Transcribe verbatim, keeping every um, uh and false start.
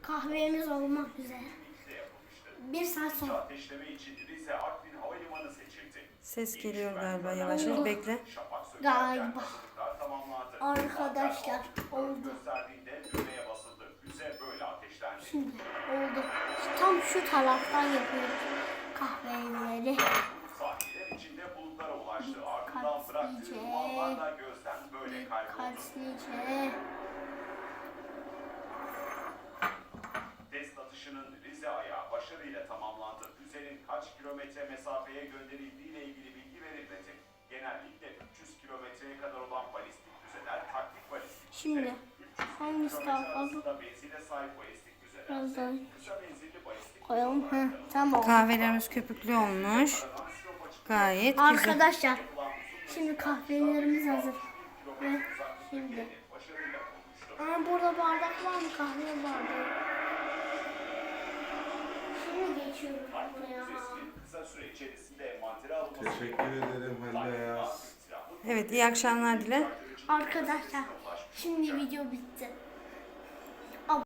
Kahvemiz olmak üzere. Bir saat sonra. Ses geliyor galiba yavaş yavaş. Bekle. Galiba. Arkadaşlar oldu. Şimdi oldu. Tam şu taraftan yapıyoruz kahveleri. Dikkatlice. Dikkatlice. Test atışının Rize ayağı başarıyla tamamlandı. Füzenin kaç kilometre mesafeye gönderildiği ile ilgili bilgi verilmedi. Genellikle üç yüz kilometreye kadar olan balistik füzeler taktik balistik füze. Şimdi hangisi daha fazla? Benzine sahip balistik füzeler. Biraz daha Kısa menzilli balistik koyalım. Heh, tamam. Kahvelerimiz köpüklü olmuş. Gayet güzel. Arkadaşlar şimdi kahvelerimiz hazır. Ve şimdi. Aa, burada bardak var mı? Kahve bardağı. Şimdi geçiyorum buraya. kısa süre içerisinde envantere alınması. Teşekkür ederim Halil ya. Evet, iyi akşamlar dile. Arkadaşlar şimdi video bitti.